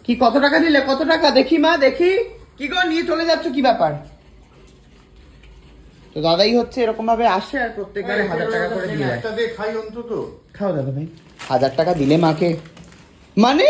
কি কত টাকা দিলে? কত টাকা দেখি মা, দেখি। কি গো নিয়ে চলে যাচ্ছ, কি ব্যাপার? তো দাদাই হচ্ছে এরকম ভাবে আসে আর প্রত্যেকবারে 1000 টাকা করে দিয়ে যায়। একটা দিয়ে খাই অন্তত। খাও দাদা ভাই। 1000 টাকা দিলে মাকে, মানে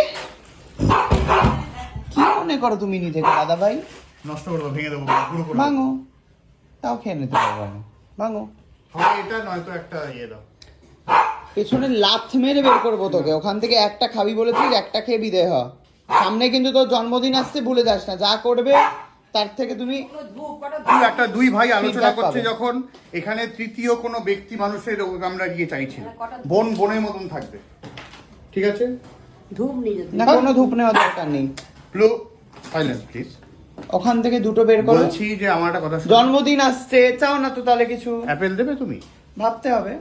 কি মনে করো তুমি নিজেকে দাদা ভাই? নষ্ট করে দেবো, ভেঙে দেবো, পুরো করে ভাঙো, তাও খেয়ে নিতে পারবো না। ভাঙো। হয় এটা নয়তো একটা ইয়ে দাও। পেছনে লাথ মেরে বের করবো তোকে ওখান থেকে। একটা খাবি বলেছিস, একটা খেয়ে বিদে হ। সামনে কিন্তু তোর জন্মদিন আসছে, ভুলে যাস না। যা করবে তার থেকে তুমি একটা দুই ভাই আলোচনা feedback করছে পাবে। যখন, এখানে তৃতীয় কোনো ব্যক্তি মানুষের আমরা গিয়ে চাইছি না। বোন বোনের মতন থাকবে, ঠিক আছে? ধূপ নিয়ে যেতে না, কোনো ধূপ নেওয়ার দরকার নেই। প্লো সাইলেন্স প্লিজ। ওখান থেকে দুটো বের করো। বলছি যে আমার একটা কথা শোনো। জন্মদিন আসছে, চাও না তো তাহলে কিছু? অ্যাপেল দেবে তুমি? ভাবতে হবে,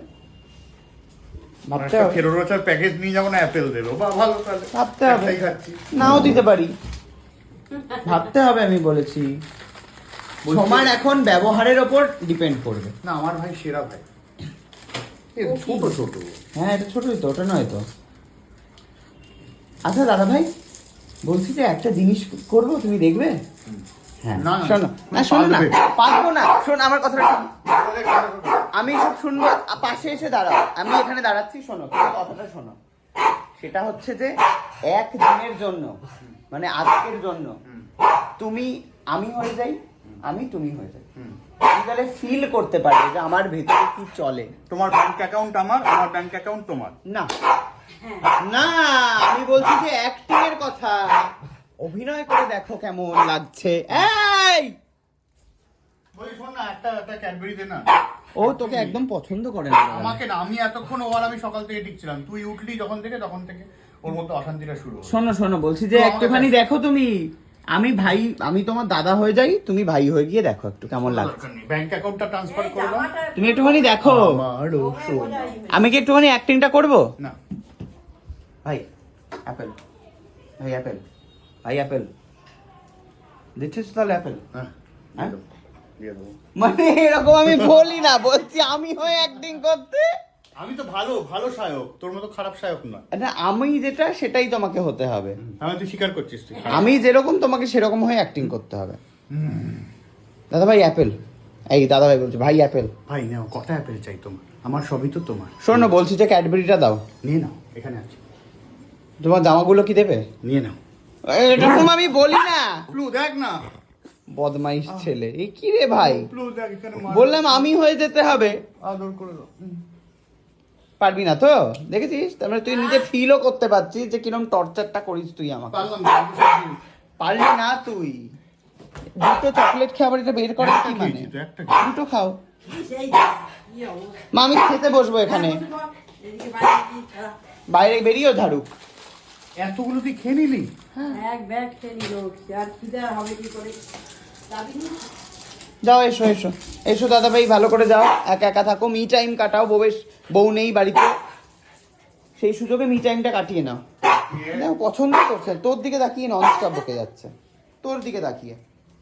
ভাবতে একটা হবে, ফেরো রোচার প্যাকেজ নিয়ে যাবো না, অ্যাপেল দেবো বা ভালো, তাহলে ভাবতে হবে। একটাই খাচ্ছি। নাও দিতে পারি, ভাবতে হবে। আমি বলেছি সমান এখন ব্যবহারের ওপর ডিপেন্ড করবে। না আমার ভাই সেরা ভাই। এ ছোট ছোট। হ্যাঁ, এটা ছোটই তো, ওটা নয় তো। আচ্ছা দাদা ভাই, বলছি যে একটা জিনিস করবো, তুমি দেখবে? হ্যাঁ, না, না, শোনো না, শোনো না, পারবে। পারবো না। শোন আমার কথাটা শোন। আমি সব শুনবো, পাশে এসে দাঁড়াও। আমি এখানে দাঁড়াচ্ছি, শোনো তোমার কথাটা শোনো। সেটা হচ্ছে যে একদিনের জন্য, মানে আজকের জন্য তুমি আমি হয়ে যাই, আমি তুমি হয়ে যাই। তুমি তাহলে ফিল করতে পারবে যে আমার ভেতরে কি চলে। তোমার ব্যাংক অ্যাকাউন্ট আমার, আমার ব্যাংক অ্যাকাউন্ট তোমার। না না, আমি বলছি যে অ্যাক্টিং এর কথা। অভিনয় করে দেখো কেমন লাগছে। এই বলি শোন না, একটা ক্যাডবেরি দে না। ও তোকে একদম পছন্দ করে না। আমাকে না, আমি এতক্ষণ ও আর আমি সকাল থেকে টিকছিলাম, তুই উঠলি যখন থেকে তখন থেকে ওর মধ্যে অশান্তিটা শুরু হলো। শোনো শোনো, বলছি যে তো আমাকে একটুখানি দেখ। দেখো তুমি। আমি ভাই, আমি তোমার দাদা হয়ে যাই, তুমি ভাই হয়ে গিয়ে দেখো একটু কেমন লাগছে। ব্যাংক অ্যাকাউন্টটা ট্রান্সফার করে দাও। তুমি একটুখানি দেখো। আমারও সোনা। আমি কি একটুখানি অ্যাক্টিংটা করবো? না ভাই অ্যাপেল, ভাই অ্যাপেল, ভাই অ্যাপেল দিচ্ছিস তো তাহলে অ্যাপেল? হ্যাঁ হ্যাঁ? দিয়ে দেবো। মানে এরকম আমি বলি না, বলছি আমি হয়ে অ্যাক্টিং করতে। আমি তো ভালো ভালো সায়ক, তোর মতো খারাপ সায়ক না। না, আমি যেটা সেটাই তোমাকে হতে হবে। আমি তুই স্বীকার করছিস তুই। আমি যেরকম তোমাকে সেরকম হয়ে অ্যাক্টিং করতে হবে। দাদা ভাই অ্যাপেল, এই দাদা ভাই বলছে ভাই অ্যাপেল। ভাই নাও, কটা অ্যাপেল চাই তোমার? আমার সবই তো তোমার। শোনো, বলছি যে ক্যাডবেরিটা দাও। নিয়ে নাও, এখানে আছে। তোমার জামাগুলো কি দেবে? নিয়ে নাও। এরকম আমি বলি না। প্লু দেখ না। বদমাইশ ছেলে, এই কি রে ভাই? প্লু দেখ এখানে বললাম আমি হয়ে যেতে হবে। আদর করে দাও। পারবি না তো? দেখেছিস, তারপরে তুই নিজে ফিলও করতে পারছিস যে কিরকম টর্চারটা করিস তুই আমাকে। পারলাম না, আমি সব দিই। পারলি না তুই। দুটো চকলেট খেয়ে আবার এটা বের করার কি একটা মানে? খেয়েছি তো, একটা খেয়েছি। দুটো খাও। সেই কি অবস্থা মা আমি খেতে বসবো এখানে। এদিকে বাইরে কি ছাড়া বাইরে বেরিয়েও ঝাড়ুক। এতগুলো তুই খেয়ে নিলি? এক ব্যাগ খেয়ে নিল, আর খিদে হবে কি করে? যাবি না? যাও, এসো এসো এসো দাদা ভাই, ভালো করে যাও। একা একা থাকো, মি টাইম কাটাও। বউ নেই বাড়িতে, সেই সুযোগে মি টাইমটা কাটিয়ে নাও। দেখো পছন্দ করছে, তোর দিকে তাকিয়ে নন স্টপ বকে যাচ্ছে, তোর দিকে তাকিয়ে।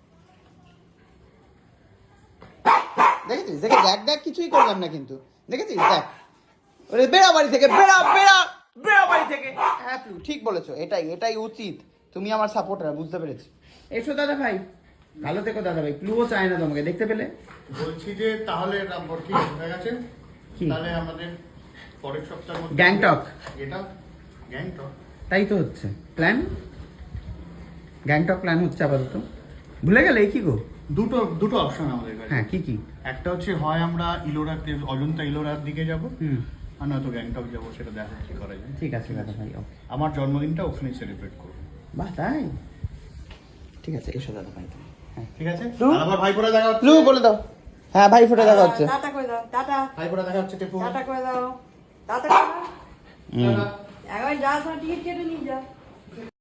দেখেছিস? দেখে দেখ দেখ, কিছুই করলাম না কিন্তু। দেখেছিস? দেখ, ওরে বেড়া বাড়ি থেকে, বেড়া বেড়া বেড়া বাড়ি থেকে। হ্যাঁ তুই ঠিক বলেছো, এটাই এটাই উচিত। তুমি আমার সাপোর্টার, বুঝতে পেরেছি। এসো দাদা ভাই, ভালো থেকো দাদা ভাই। ক্লুও চায় না তোমাকে, দেখতে পেলে? বলছি যে তাহলে রামপুর কি হয়ে গেছে? কি? তাহলে আমাদের পরের সপ্তাহের মধ্যে গ্যাংটক। এটা গ্যাংটক। তাই তো হচ্ছে প্ল্যান। গ্যাংটক প্ল্যান হচ্ছে আপাতত। ভুলে গেলে কি গো? দুটো দুটো অপশন আমাদের কাছে। হ্যাঁ, কি কি? একটা হচ্ছে হয় আমরা ইলোরার, অজন্তা ইলোরার দিকে যাব, হুম, আর নয়তো গ্যাংটক যাবো, সেটা দেখা কি করা যায়। ঠিক আছে দাদা ভাই, ওকে। আমার জন্মদিনটা ওখানেই সেলিব্রেট করবো। বাহ, তাই? ঠিক আছে, এসো দাদা ভাই। হ্যাঁ, ঠিক আছে? লু? আর আমার ভাইপোরা দেখা হচ্ছে। লু বলে দাও। হ্যাঁ, ভাই ফোটা দেখা হচ্ছে। টাটা করে দাও, টাটা ভাইপোরা দেখা হচ্ছে টেপু। টাটা করে দাও, টাটা করে দাও। হুম। একবার যাওয়ার সময় টিকিট কেটে নিয়ে যাও।